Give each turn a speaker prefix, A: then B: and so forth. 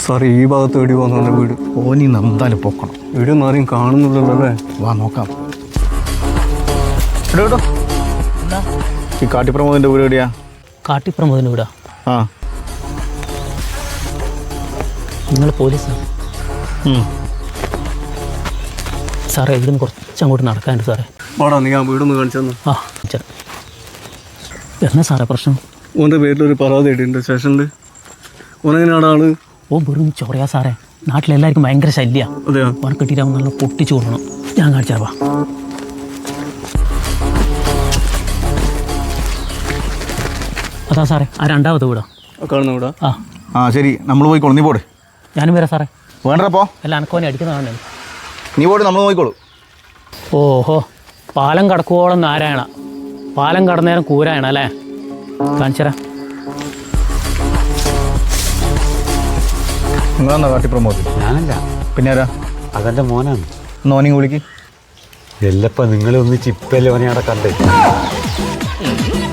A: സാറേ ഈ ഭാഗത്ത് എവിടെ പോകുന്ന വീട്?
B: ഓനി എന്തായാലും പൊക്കണം.
A: വീട് ഒന്നും ആരെയും കാണുന്നില്ലല്ലോ അല്ലേ?
B: വാ നോക്കാം. കേട്ടോ ഈ കാട്ടിപ്രമോദിന്റെ വീട് എവിടെയാ?
C: കാട്ടിപ്രമോദിൻ്റെ വീടാ?
B: ആ
C: നിങ്ങൾ പോലീസാണ് സാറേ? ഇവിടുന്ന് കുറച്ചങ്ങോട്ട് നടക്കാനുണ്ട് സാറേ.
A: വാടാ, നീ ആ വീടൊന്ന് കാണിച്ചു തന്നെ.
C: ആ ചേട്ടാ, എന്നാ സാറേ പ്രശ്നം?
A: ഓൻ്റെ പേരിലൊരു പരാതി ഇട്ടിട്ടുണ്ട് സ്റ്റേഷനിൽ. ഓനെങ്ങനെയാണ് ആള്?
C: ഓ വെറും ചൊറയാ സാറേ. നാട്ടിലെല്ലാവർക്കും ഭയങ്കര ശല്യമാണ്.
A: അതെയോ?
C: ഓനെ കിട്ടിയിട്ടാവും നല്ല പൊട്ടിച്ചു കൊടുക്കണം. ഞാൻ കാണിച്ചാവാ. അതാ സാറേ ആ രണ്ടാമത്തെ വീടാ
A: കാണുന്ന വീടാ?
C: ആ
B: ആ ശരി, നമ്മൾ പോയിക്കോളൂ. നീ പോടെ.
C: ഞാനും വരാം സാറേ.
B: വേണ്ടപ്പോ
C: അല്ല അനക്കോനെ അടിക്കുന്നതാണ്.
B: നീ പോടെ, നമ്മൾ നോക്കിക്കോളൂ.
C: ഓഹോ, പാലം കടക്കുവോളം നാരായണ, പാലം കടന്നേരം കൂരായണ അല്ലേ? കാണിച്ചരാ.
B: നിങ്ങളെന്നാ കാട്ടിപ്രമോദ്?
D: ഞാനല്ല,
B: പിന്നെ ആരാ?
D: അതെൻ്റെ മോനാണ്.
B: നോനിങ് വിളിക്ക്.
D: എല്ലപ്പ നിങ്ങളെ ഒന്നിച്ച് ഇപ്പല്ലേ ഓനെ അവിടെ കണ്ടേ.